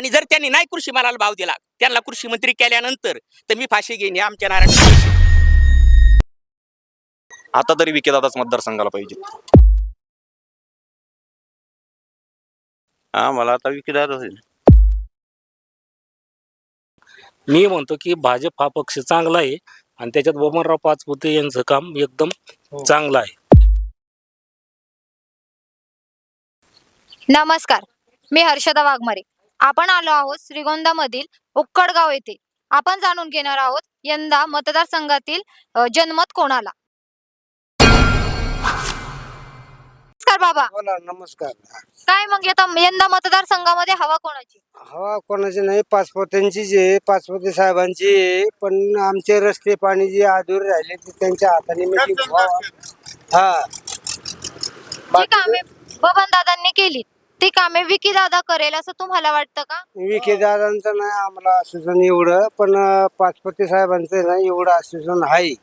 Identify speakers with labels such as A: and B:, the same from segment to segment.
A: आणि जर त्यांनी नाही कृषी मालाला भाव दिला, त्यांना कृषी मंत्री केल्यानंतर तर मी फाशी घेईन आमच्या नारायण.
B: आता तरी विकेदादाच मतदारसंघाला पाहिजे.
C: हा मला आता विकेदादा होईल.
D: मी म्हणतो की भाजप हा पक्ष चांगला आहे आणि त्याच्यात बबनराव पाचपुते यांचं काम एकदम चांगलं आहे.
E: नमस्कार, मी हर्षदा वाघमारे. आपण आलो आहोत श्रीगोंदामधील उक्कडगाव येथे. आपण जाणून घेणार आहोत यंदा मतदारसंघातील जनमत कोणाला. नमस्कार बाबा.
F: बोला. नमस्कार.
E: काय मग यंदा मतदारसंघामध्ये हवा कोणाची?
F: हवा कोणाची नाही, पाचपोत्यांचीच आहे, पाचपोते साहेबांची आहे. पण आमचे रस्ते पाणी जे अधूर राहिले ते त्यांच्या हाताने मिळतील. हा,
E: जी कामे बबन दादांनी केली ती कामे विकी दादा करेल असं तुम्हाला वाटतं का?
F: विखे दादांचं नाही आम्हाला आश्वासन एवढं, पण पाचपोते साहेबांचं नाही एवढं आश्वासन आहे.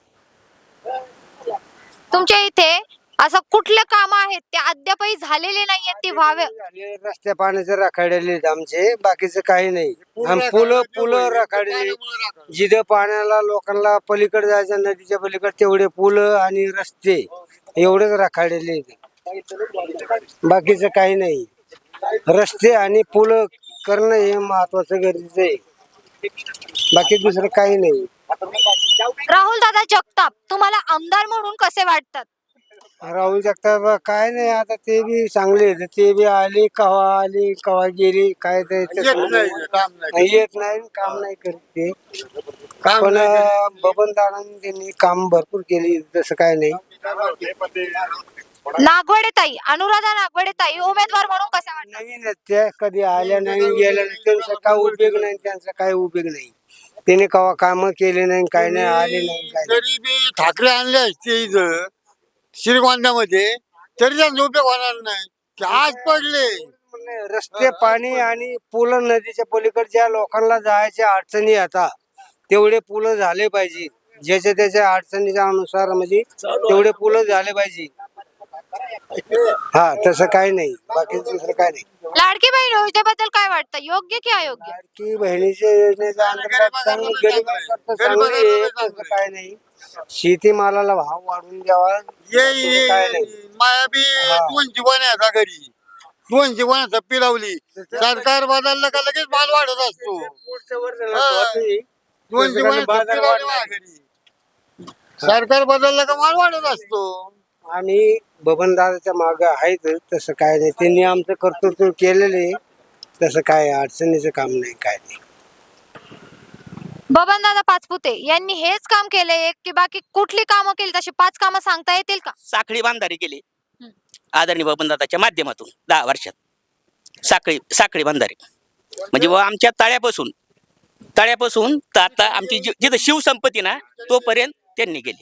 E: तुमच्या इथे असं कुठले काम आहेत ते अद्यापही झालेले नाहीयेत ते व्हावे?
F: रस्ते पाण्याचे राखाडलेले आहेत आमचे, बाकीचं काही नाही. आणि पुलं राखाडलेली, जिथं पाण्याला लोकांना पलीकडे जायचं नदीच्या पलीकडे तेवढे पुलं आणि रस्ते एवढेच राखाडलेले आहेत. बाकीचं काही नाही. रस्ते आणि पुलं करणं हे महत्वाचं गरजेचं आहे, बाकी दुसरं काही नाही.
E: राहुल दादा जगताप तुम्हाला आमदार म्हणून कसे वाटतात?
F: राहुल जगताप काय नाही, आता ते बी चांगले आहेत. ते बी आले कवा गेली, काय ते येत नाही, काम नाही करत ते. पण बबन दादांनी त्यांनी काम भरपूर केली, तसं काय नाही.
E: नागवडे ताई, अनुराधा नागवडे ताई उमेदवार म्हणून कसे वाटतात?
F: नवीन आहेत त्या, कधी आल्या नाही गेल्या नाही, त्यांचा काय उपयोग नाही, त्यांचा काय उपयोग नाही. त्याने कवा काम केले नाही, काय नाही, आले नाही, काय नाही.
G: तरी बी ठाकरे आणले असते इथं श्रीगोंद्यामध्ये तरी त्यांचा उपयोग होणार नाही. ते आज पडले
F: रस्ते पाणी आणि पुलं नदीच्या पलीकडे ज्या लोकांना जायच्या अडचणी आता तेवढे पुलं झाले पाहिजे. ज्याच्या त्याच्या अडचणीच्या अनुसार म्हणजे तेवढे पुलं झाले पाहिजे. हा, तसं काही नाही, बाकी दुसरं काय नाही.
E: लाडकी बहीण योजनेबद्दल काय वाटतं, योग्य की अयोग्य?
F: लाडकी बहिणीच्या योजनेचा अंतर्गत चांगलं गरीबांकरता चांगली आहे, तसं काय नाही. शेतीमालाला भाव वाढवून द्यावा, काय नाही.
G: माया बी दोन जीवन आहे घरी, दोन जीवनाचा पिलावली. सरकार बदललं का लगेच माल वाढत असतो. दोन जीवनाचा पिलावली माझ्या घरी, सरकार बदललं का माल वाढत असतो.
F: आम्ही बबनदादाच्या मागे आहेत, तसं काय नाही. त्यांनी आमचं कर्तृत्व केलेले, तसं काय अडचणीचं काम नाही, काय नाही.
E: बबन दादा पाचपुते यांनी हेच काम केले की बाकी कुठली कामं केली? तशी 5 कामं सांगता येतील का?
A: साखळी बांधारी केली आदरणीय बबनदादाच्या माध्यमातून 10 वर्षात. साखळी बांधारी म्हणजे आमच्या तळ्यापासून तर आता आमची जिथं शिवसंपत्ती ना तोपर्यंत त्यांनी केली,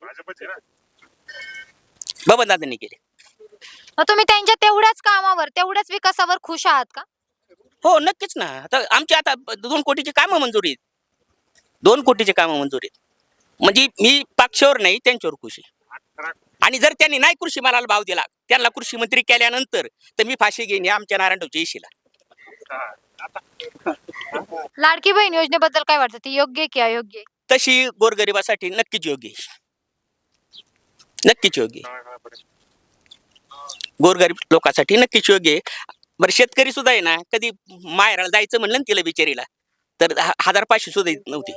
A: बबनदादांनी केली.
E: मग तुम्ही त्यांच्या तेवढ्याच कामावर तेवढ्याच विकासावर खुश आहात का?
A: हो, नक्कीच ना. आमची आता 2 कोटीची कामं मंजुरी आहेत. 2 कोटीचे कामं मंजुरी आहेत. म्हणजे मी पक्षावर नाही, त्यांच्यावर खुश आहे. आणि जर त्यांनी नाही कृषी मालाला भाव दिला, त्यांना कृषी मंत्री केल्यानंतर तर मी फाशी घेईन आमच्या नारायणरावच्या इशीला.
E: लाडकी बहीण योजनेबद्दल काय वाटतं, ती योग्य की अयोग्य?
A: तशी गोरगरिबासाठी नक्कीच योग्य आहे, नक्कीच योग्य आहे. गोरगरीब लोकांसाठी नक्कीच योग्य आहे. बरं, शेतकरी सुद्धा आहे ना, कधी माहेराला जायचं म्हणलं ना तिला बिचारीला तर 1500 सुद्धा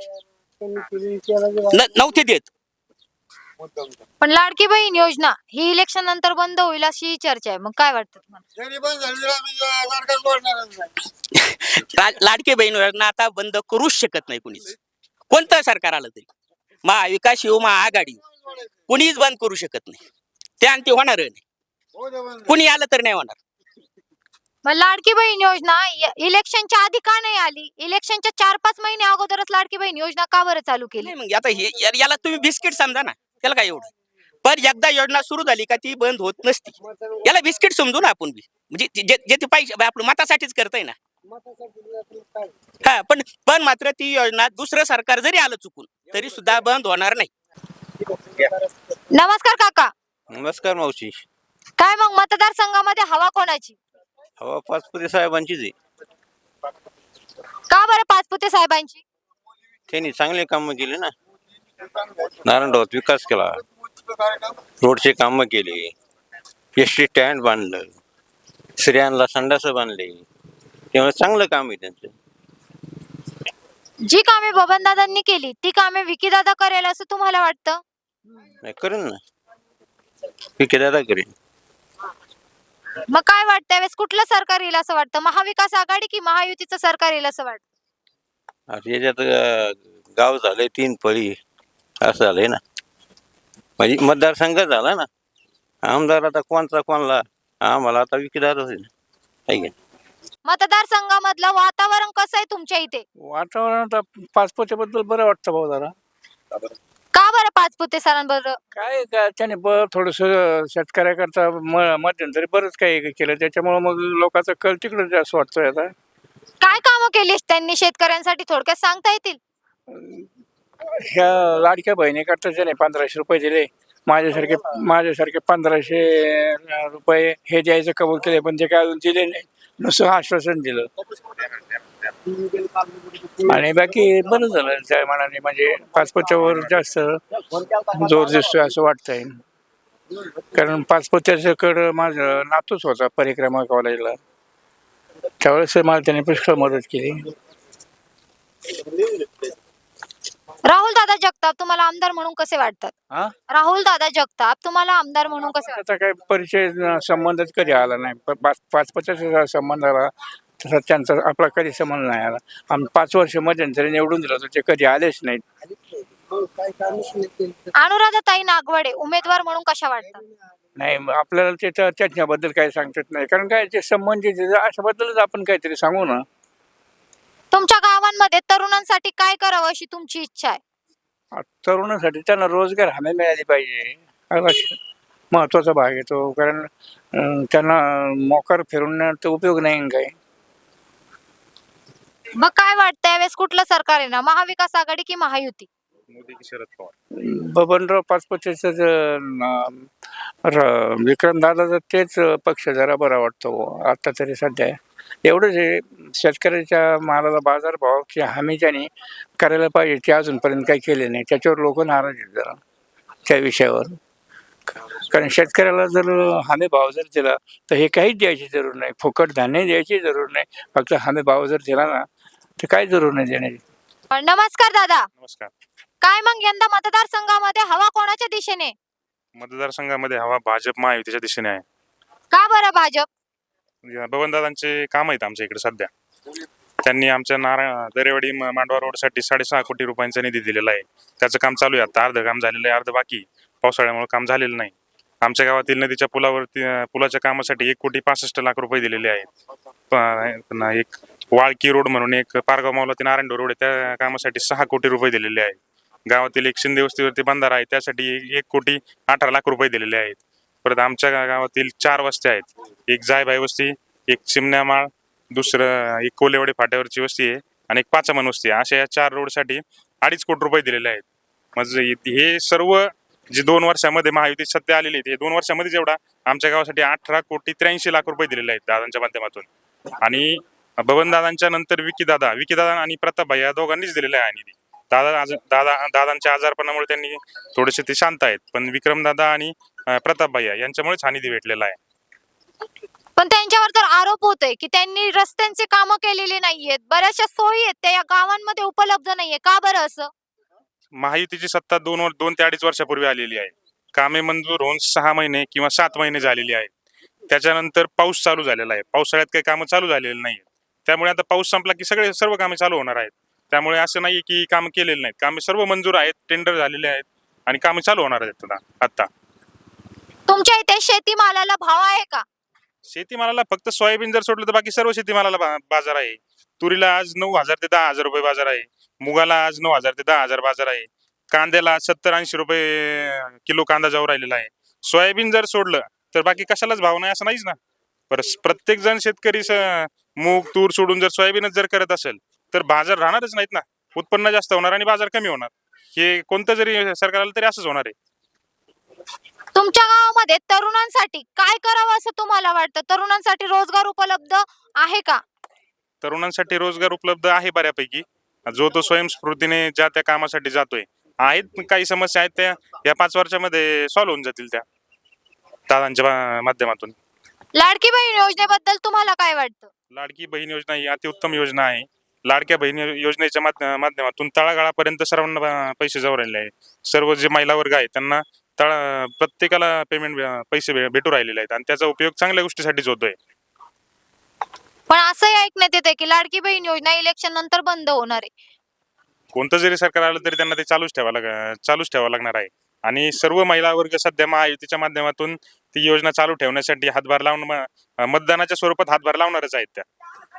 A: नव्हते देत.
E: पण लाडकी बहीण योजना ही इलेक्शन नंतर बंद होईल अशी चर्चा आहे, मग काय वाटतं तुम्हाला?
G: जरी पण झाली तर आम्ही सरकार सोडणारच नाही.
A: लाडकी बहीण योजना आता बंद करूच शकत नाही कुणीच, कोणतं सरकार आलं तरी. महाविकास येऊ महाआघाडी कुणीच बंद करू शकत नाही. ते आणि ते होणार नाही, कुणी आलं तर नाही होणार.
E: मग लाडकी बहीण योजना इलेक्शनच्या आधी का नाही आली? इलेक्शनच्या 4-5 महिने अगोदरच लाडकी बहीण योजना का बरं चालू केली?
A: नाही, मग आता याला तुम्ही बिस्किट समजा ना, त्याला काय एवढं. पण एकदा योजना सुरू झाली का ती बंद होत नसती. याला बिस्किट समजू ना आपण बी, म्हणजे जे ते पाहिजे आपलं मतासाठीच करताय ना. हा, पण मात्र ती योजना दुसरं सरकार जरी आलं चुकून तरी सुद्धा बंद होणार नाही.
E: नमस्कार काका.
C: नमस्कार मावशी.
E: काय मग मतदारसंघामध्ये हवा कोणाची?
C: हवा पाचपुते साहेबांचीच आहे.
E: साहेबांची?
C: त्यांनी चांगले कामं केले ना. नारायणगावात विकास केला, रोडचे कामं केले, एसटी स्टँड बांधलं, स्त्रियांना संडास बांधले. त्यामुळे चांगलं काम आहे त्यांचं.
E: जी कामे बबनदादांनी केली ती कामे विकीदादा करेल असं तुम्हाला वाटतं?
C: नाही करेन ना, दादा करेन.
E: मग काय वाटतं त्यावेळेस कुठलं सरकार येईल असं वाटतं? महाविकास आघाडी की महायुतीचं सरकार येईल असं वाटतं?
C: आता याच्यात गाव झालंय 3 पळी, असं झालंय ना. म्हणजे मतदारसंघ झाला ना. आमदार आता कोणला, आम्हाला आता दादा होईल आहे का?
E: मतदारसंघामधलं वातावरण कसं आहे तुमच्या इथे?
H: वातावरण आता पाचपोत्याबद्दल बरं वाटतं भाऊ जरा.
E: का बरं पाचपुते सरांबरोबर?
H: काय त्याने थोडस शेतकऱ्याकरता मध्यंतरी बरंच काही केलं, त्याच्यामुळे मग लोकांचा कल तिकडे जास्त वाटतोय आता.
E: काय कामं केली त्यांनी शेतकऱ्यांसाठी थोडक्यात सांगता येतील?
H: ह्या लाडक्या बहिणीकरता त्याने 1500 रुपये दिले. माझ्यासारखे 1500 रुपये हे द्यायचं कबूल केले, पण ते काय अजून दिले नाही, नुसतं आश्वासन दिलं. आणि बाकी बरं झालं त्या मनाने, म्हणजे पाचपोत्यावर जास्त जोर दिसतोय असं वाटतंय. कारण पाचपोत्याच्याकडं माझं नातूच होता परिक्रमा कॉलेजला, त्यावेळेस मला त्याने पुष्कळ मदत केली.
E: राहुल दादा जगताप तुम्हाला आमदार म्हणून कसे वाटतात?
H: हा?
E: राहुल दादा जगताप तुम्हाला आमदार म्हणून कसे वाटतात?
H: त्याचा काही परिचय संबंधच कधी आला नाही. पाचपोत्याचा संबंध आला तसा त्यांचा आपला कधी संबंध नाही आला. आम्ही 5 वर्ष मध्यंतरी निवडून दिलं होतं, ते कधी आलेच नाहीत.
E: अनुराधाताई नागवडे उमेदवार म्हणून कशा वाटतात?
H: नाही, आपल्याला त्याच्याबद्दल काही सांगतात नाही, कारण काय ते संबंधित अशाबद्दलच आपण काहीतरी सांगू ना.
E: तुमच्या गावांमध्ये तरुणांसाठी काय करावं अशी तुमची इच्छा आहे?
H: तरुणांसाठी त्यांना रोजगार हमी मिळाली पाहिजे, हा महत्वाचा भाग येतो. कारण त्यांना मोकार फिरून तर उपयोग नाही काय.
E: मग काय वाटतं यावेळेस कुठलं सरकार आहे ना, महाविकास आघाडी की महायुती?
B: मोदी की शरद पवार.
H: बबनराव पाचपुतेच विक्रमदादाचा तेच पक्ष जरा बरा वाटतो आता तरी सध्या. एवढंच आहे, शेतकऱ्याच्या मालाला बाजारभावाची हमी त्याने करायला पाहिजे, ते अजूनपर्यंत काही केले नाही. त्याच्यावर लोक नाराज आहेत जरा त्या विषयावर. कारण शेतकऱ्याला जर हमी भाव जर दिला तर हे काहीच द्यायची जरूर नाही, फुकट धान्य द्यायची जरूर नाही, फक्त हमी भाव जर दिला ना तर काही जरूर नाही देण्याची.
E: नमस्कार दादा.
B: नमस्कार.
E: काय मग यंदा मतदारसंघामध्ये हवा कोणाच्या दिशेने?
B: मतदारसंघामध्ये हवा भाजप महायुतीच्या दिशेने आहे.
E: का बरं भाजप?
B: बबनदादांचे काम आहेत आमच्या इकडे सध्या. त्यांनी आमच्या दरेवाडी मांडवा रोडसाठी 6.5 कोटी रुपयांचा निधी दिलेला आहे. त्याचं काम चालू आहे, आता अर्ध काम झालेलं आहे, अर्ध बाकी. पावसाळ्यामुळे काम झालेलं नाही. आमच्या गावातील नदीच्या पुलाच्या कामासाठी 1,65,00,000 रुपये दिलेले आहेत. एक वाळकी रोड म्हणून एक पारगाव मावला ते नारायण रोड आहे, त्या कामासाठी 6 कोटी रुपये दिलेले आहेत. गावातील एक शिंदे वस्तीवरती बंधारा आहे, त्यासाठी 1,18,00,000 रुपये दिलेले आहेत. परत आमच्या गावातील 4 वस्त्या आहेत, एक जायबाई वस्ती, एक चिमण्यामाळ, दुसरं एक कोलेवाडी फाट्यावरची वस्ती आहे आणि एक पाचामन वस्ती आहे. अशा या 4 रोडसाठी 2.5 कोटी रुपये दिलेले आहेत. म्हणजे हे सर्व जे 2 वर्षामध्ये महायुती सत्य आलेली आहे, 2 वर्षामध्ये जेवढा आमच्या गावासाठी 18,83,00,000 रुपये दिलेले आहेत दादांच्या माध्यमातून. आणि बबनदादांच्या नंतर विकीदादा आणि प्रतापभाई या दोघांनीच दिलेला आहे निधी. दादांच्या आजारपणामुळे त्यांनी थोडेसे ते शांत आहेत, पण विक्रमदादा आणि प्रतापभाई यांच्यामुळेच हा निधी भेटलेला आहे.
E: पण त्यांच्यावर तर आरोप होतोय की त्यांनी रस्त्यांचे कामं केलेले नाहीयेत, बऱ्याचशा सोयी आहेत त्या या गावांमध्ये उपलब्ध नाहीये. का बरं असं?
B: महायुतीची सत्ता 2 ते 2.5 वर्षापूर्वी आलेली आहे. कामे मंजूर होऊन 6 महिने किंवा 7 महिने झालेली आहेत. त्याच्यानंतर पाऊस चालू झालेला आहे, पावसाळ्यात काही कामं चालू झालेली नाही. त्यामुळे आता पाऊस संपला की सर्व कामे चालू होणार आहेत. त्यामुळे असं नाही की कामं केलेली नाहीत, कामे सर्व मंजूर आहेत, टेंडर झालेले आहेत आणि कामे चालू होणार आहेत आता.
E: तुमच्या इथे शेतीमालाला भाव आहे का?
B: शेतीमालाला फक्त सोयाबीन जर सोडलं तर बाकी सर्व शेतीमालाला बाजार आहे. तुरीला आज 9,000 ते 10,000 रुपये बाजार आहे. मुगाला आज 9,000 ते 10,000 बाजार आहे. कांद्याला 70-80 रुपये किलो कांदा जाऊ राहिलेला आहे. सोयाबीन जर सोडलं तर बाकी कशालाच भाव नाही असं नाहीच ना. प्रत्येक जण शेतकरी मूग तूर सोडून जर सोयाबीनच जर करत असेल तर बाजार राहणारच नाहीत ना. उत्पन्न जास्त होणार आणि बाजार कमी होणार. हे कोणतं जरी सरकार आलं तरी असंच होणार आहे.
E: तुमच्या गावामध्ये तरुणांसाठी काय करावं असं तुम्हाला वाटतं? तरुणांसाठी रोजगार उपलब्ध आहे का?
B: तरुणांसाठी रोजगार उपलब्ध आहे बऱ्यापैकी, जो तो स्वयंस्फूर्तीने ज्या त्या कामासाठी जातोय. आहेत काही समस्या आहेत त्या या 5 वर्षामध्ये सॉल्व्ह होऊन जातील त्या दादांच्या माध्यमातून.
E: लाडकी बहीण योजनेबद्दल तुम्हाला काय वाटतं?
B: लाडकी बहीण योजना ही अतिउत्तम योजना आहे. लाडक्या बहीण योजनेच्या माध्यमातून तळागाळापर्यंत सर्वांना पैसे जाऊ राहिले आहे. सर्व जे महिला वर्ग आहे त्यांना प्रत्येकाला पेमेंट पैसे भेटू राहिलेले आहेत आणि त्याचा उपयोग चांगल्या गोष्टीसाठीच होतोय.
E: पण असंही ऐकण्यात येते की लाडकी बहीण योजना इलेक्शन नंतर बंद होणार आहे.
B: कोणतं जरी सरकार आलं तरी त्यांना ते चालूच ठेवावं लागणार आहे. आणि सर्व महिला वर्ग सध्या महायुतीच्या माध्यमातून ती योजना चालू ठेवण्यासाठी हातभार लावून मतदानाच्या स्वरूपात हातभार लावणारच आहेत त्या.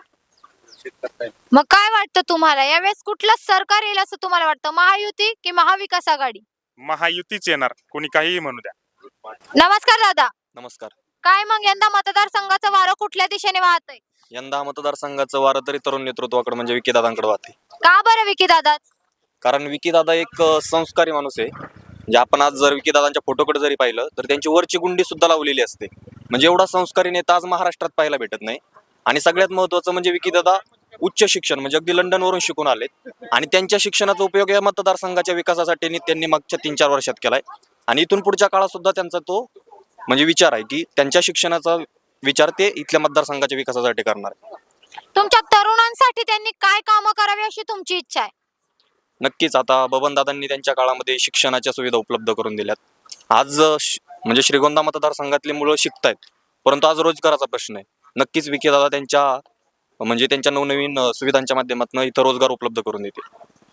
E: मग काय वाटतं तुम्हाला यावेळेस कुठलं सरकार येईल असं तुम्हाला वाटतं? महायुती की महाविकास आघाडी?
B: महायुतीच येणार, कोणी काहीही म्हणू द्या.
E: नमस्कार दादा.
I: नमस्कार.
E: काय मग यंदा मतदारसंघाचं वारं कुठल्या दिशेने वाहतंय?
I: यंदा मतदारसंघाचं वारं तरी तरुण नेतृत्वाकडे म्हणजे विकीदादांकडे वाहते.
E: का बरं विकी दादा?
I: कारण विकीदादा एक संस्कारी माणूस आहे. म्हणजे आपण आज जर विकीदादांच्या फोटोकडे जरी पाहिलं तर त्यांची वरची गुंडी सुद्धा लावलेली असते. म्हणजे एवढा संस्कारी नेता आज महाराष्ट्रात पाहायला भेटत नाही. आणि सगळ्यात महत्वाचं म्हणजे विकीदादा उच्च शिक्षण म्हणजे अगदी लंडनवरून शिकून आलेत आणि त्यांच्या शिक्षणाचा उपयोग या मतदारसंघाच्या विकासासाठी त्यांनी मागच्या 3-4 वर्षात केलाय. आणि इथून पुढच्या काळात सुद्धा त्यांचा तो म्हणजे विचार आहे की त्यांच्या शिक्षणाचा विचार ते इथल्या मतदारसंघाच्या विकासासाठी करणार आहे.
E: तुमच्या तरुणांसाठी त्यांनी काय कामं करावी अशी तुमची इच्छा आहे?
I: नक्कीच आता बबनदादांनी त्यांच्या काळामध्ये शिक्षणाच्या सुविधा उपलब्ध करून दिल्यात. आज म्हणजे श्रीगोंदा मतदारसंघातली मुलं शिकतायत, परंतु आज रोजगाराचा प्रश्न आहे. नक्कीच विकीदादा त्यांच्या नवनवीन सुविधांच्या माध्यमातून इथं रोजगार उपलब्ध करून देते.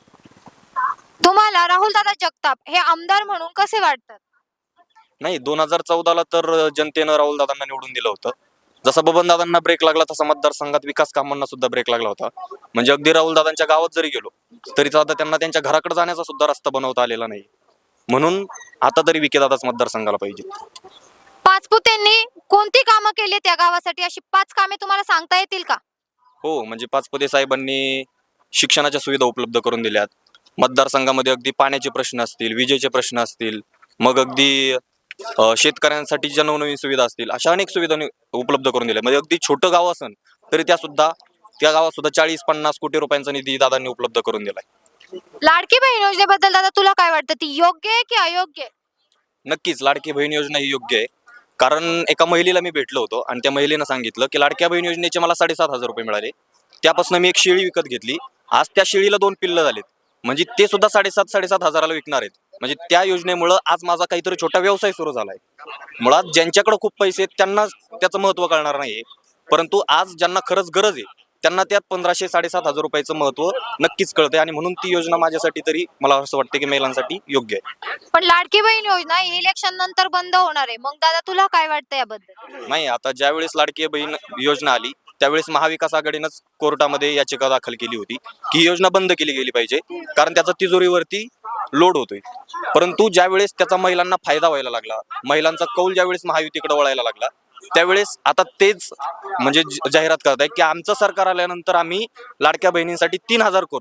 E: तुम्हाला राहुल दादा जगताप हे आमदार म्हणून कसे वाटतात?
I: नाही, 2014ला तर जनतेनं राहुल दादांना निवडून दिलं होतं. जसा बबनदादांना ब्रेक लागला तसा मतदारसंघात विकास कामांना सुद्धा ब्रेक लागला होता. म्हणजे अगदी राहुल दादांच्या गावात जरी गेलो तरी आता त्यांना त्यांच्या घराकडे जाण्याचा सुद्धा रस्ता बनवता आलेला नाही. म्हणून आता तरी विकीदादाच मतदारसंघाला पाहिजे.
E: पाचपुतेंनी कोणती कामं केली त्या गावासाठी अशी 5 कामे तुम्हाला सांगता येतील का?
I: हो, म्हणजे पाचपुते साहेबांनी शिक्षणाच्या सुविधा उपलब्ध करून दिल्यात. मतदारसंघामध्ये अगदी पाण्याचे प्रश्न असतील, विजेचे प्रश्न असतील, मग अगदी शेतकऱ्यांसाठी ज्या नवनवीन सुविधा असतील अशा अनेक सुविधा उपलब्ध करून दिल्या. म्हणजे अगदी छोटं गाव असेल तरी त्या गावात सुद्धा 40-50 कोटी रुपयांचा निधी दादांनी उपलब्ध करून दिलाय.
E: लाडकी बहीण योजनेबद्दल दादा तुला काय वाटतं? ती योग्य आहे की अयोग्य आहे?
I: नक्कीच लाडकी बहीण योजना ही योग्य आहे. कारण एका महिलेला मी भेटलो होतो आणि त्या महिलेनं सांगितलं की लाडक्या बहीण योजनेचे मला 7,500 रुपये मिळाले. त्यापासून मी एक शेळी विकत घेतली. आज त्या शेळीला 2 पिल्लं झालेत. म्हणजे ते सुद्धा 7,500-7,500ला विकणार आहेत. म्हणजे त्या योजनेमुळं आज माझा काहीतरी छोटा व्यवसाय सुरू झालाय. मुळात ज्यांच्याकडे खूप पैसे आहेत त्यांना त्याचं महत्त्व कळणार नाहीये, परंतु आज ज्यांना खरंच गरज आहे त्यांना त्यात 1,500-7,500 रुपयाचं महत्त्व नक्कीच कळतंय. आणि म्हणून ती योजना माझ्यासाठी तरी मला असं वाटतं की महिलांसाठी योग्य आहे.
E: पण लाडकी बहीण योजना इलेक्शन नंतर बंद होणार आहे. मग दादा तुला काय वाटतं याबद्दल?
I: नाही, आता ज्यावेळेस लाडकी बहीण योजना आली त्यावेळेस महाविकास आघाडीनंच कोर्टामध्ये याचिका दाखल केली होती की ही योजना बंद केली गेली पाहिजे, कारण त्याचा तिजोरीवरती लोड होतोय. परंतु ज्यावेळेस त्याचा महिलांना फायदा व्हायला लागला, महिलांचा कौल ज्यावेळेस महायुतीकडे वळायला लागला, त्यावेळेस आता तेच म्हणजे जाहिरात करत आहे की आमचं सरकार आल्यानंतर आम्ही लाडक्या बहिणींसाठी 3,000 करू.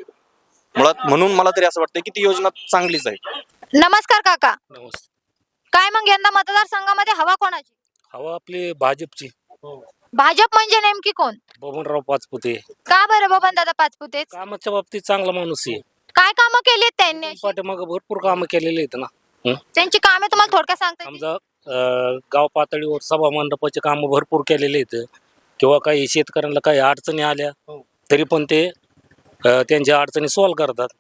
I: मुळात म्हणून मला तरी असं वाटतं की ती योजना चांगलीच आहे.
E: नमस्कार काका.
D: नमस्ते.
E: काय मग यंदा मतदारसंघामध्ये हवा कोणाची?
D: हवा आपली भाजपची.
E: भाजप म्हणजे नेमकी कोण?
D: बबनराव पाचपुते.
E: का बरं बबन दादा पाचपुते?
D: कामाच्या बाबतीत चांगला माणूस आहे.
E: काय कामं केली आहेत त्यांनी अशी?
D: पाठीमागे भरपूर कामं केलेली आहेत ना.
E: त्यांची कामे तुम्हाला थोडक्यात सांगता येतील?
D: समजा गाव पातळीवर सभा मंडपाचे कामं भरपूर केलेले आहेत किंवा काही शेतकऱ्यांना काही अडचणी आल्या तरी पण ते त्यांच्या अडचणी सॉल्व्ह करतात.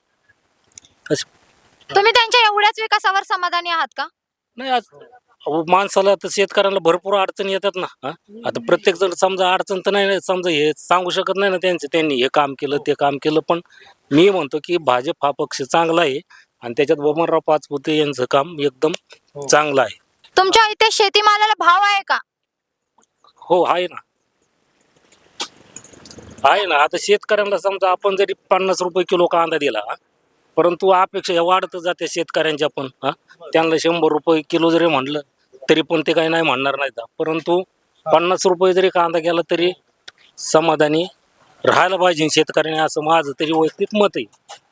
E: तुम्ही त्यांच्या एवढ्याच विकासावर समाधानी आहात का?
D: नाही, आज माणसाला तर शेतकऱ्यांना भरपूर अडचणी येतात ना. आता प्रत्येक जण समजा अडचण तर नाही, समजा हे सांगू शकत नाही ना त्यांनी हे काम केलं ते काम केलं. पण मी म्हणतो की भाजप हा पक्ष चांगला आहे आणि त्याच्यात बबनराव पाचपुते यांचं काम एकदम चांगलं आहे.
E: तुमच्या इथे शेतीमालाला भाव आहे का?
D: हो, आहे ना. आता शेतकऱ्यांना समजा आपण जरी 50 रुपये किलो कांदा दिला, परंतु अपेक्षा वाढत जाते शेतकऱ्यांच्या पण. त्यांना 100 रुपये किलो जरी म्हणलं तरी पण ते काही नाही म्हणणार नाहीत. परंतु 50 रुपये जरी कांदा गेला तरी समाधानी राहायला पाहिजे शेतकऱ्याने, असं माझं तरी वैयक्तिक मत आहे.